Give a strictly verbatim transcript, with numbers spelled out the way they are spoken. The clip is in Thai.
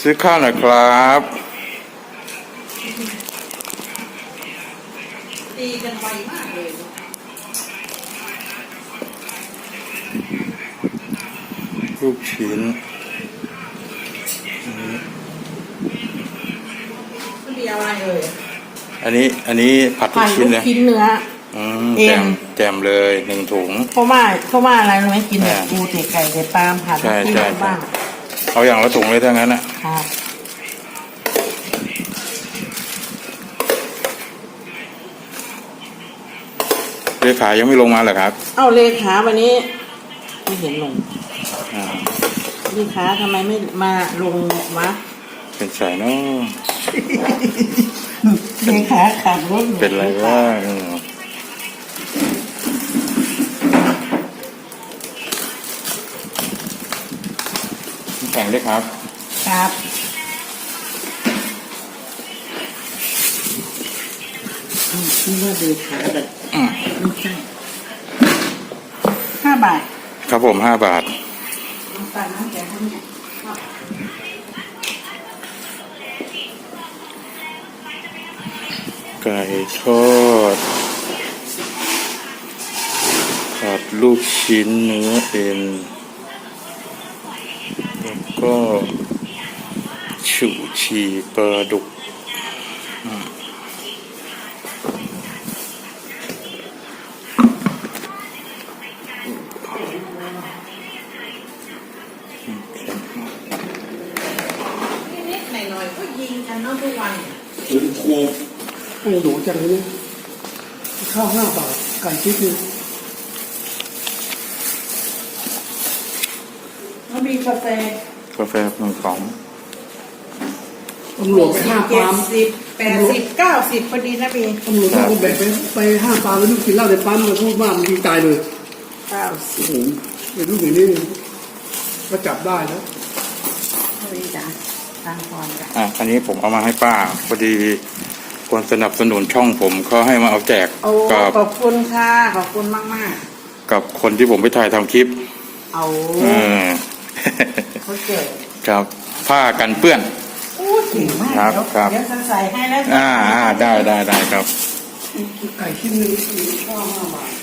ซื้อข้าวหน่อยครับตีกันไวมากเลยลูกชิ้นมันมีอะไรเลยอันนี้อันนี้ผัดลูผักดชิ้ลูนกเลยชิ้นเนื้ออืมเอ็แจนมแจมเลยหนึ่งถุงเพราะว่าเพราะว่าอะไรรู้ไหมกินแบบอ่าปูเตะไก่เตะปลาผัดใช่ลูกชิ้นใช่บ้างเอาอย่างละถุงเลยถ้างั้นนะครับ เลขายังไม่ลงมาเหรอครับเอ้าเลขาวันนี้ไม่เห็นลงอ่าเลขาทำไมไม่มาลงวะเป็นสายเนาะเลขาขับรถเป็นไรวะเออแข่งด้วยครับครับอืมนี่ว่าเลขาแบบอืมไม่ใช่ห้าบาทครับผมห้าบาทน้ำตาลน้ำแกงทั้งเนี่ยไก่ทอดผัดลูกชิ้นเนื้อเอ็นแล้วก็ฉู่ฉี่ปลาดุกอืมนิดๆหน่อยๆก็ยิงกันเนาะทุกวันถึงครูโอ้โหจังเลยเนี่ยข้าวห้าบาทไก่ชิ้นหนึงแล้วมีกาแฟกาแฟหนึ่งกล่องตำรวจไปห้าเจ็ปาดล์มสิบแปดสิบเก้าสิบพอดีนะพี่ตำรวจเขาก็แบ่งไปไปห้าปาล์มแล้วลูกกินเหล้าในปั๊มมาพูดว่ามันยิงตายเลยเก้าสิบโอ้โหเป็นลูกอย่างนี้ก็จับได้แล้วพอดีจ้ะทางพรจ้ะอ่ะอันนี้ผมเอามาให้ป้าพอดีคนสนับสนุนช่องผมเขาให้มาเอาแจกโอ้กับขอบคุณค่ะขอบคุณมากมากกับคนที่ผมไปถ่ายทำคลิปๆเอาเออเขาเกิดครับผ้ากันเปื้อนโอ้เก่งมากครับเดี๋ยวครับเดี๋ยวฉันใส่ให้แล้วอ่าอ่าได้ได้ได้ครับไก่ชิ้นหนึงข้าวห้าบาท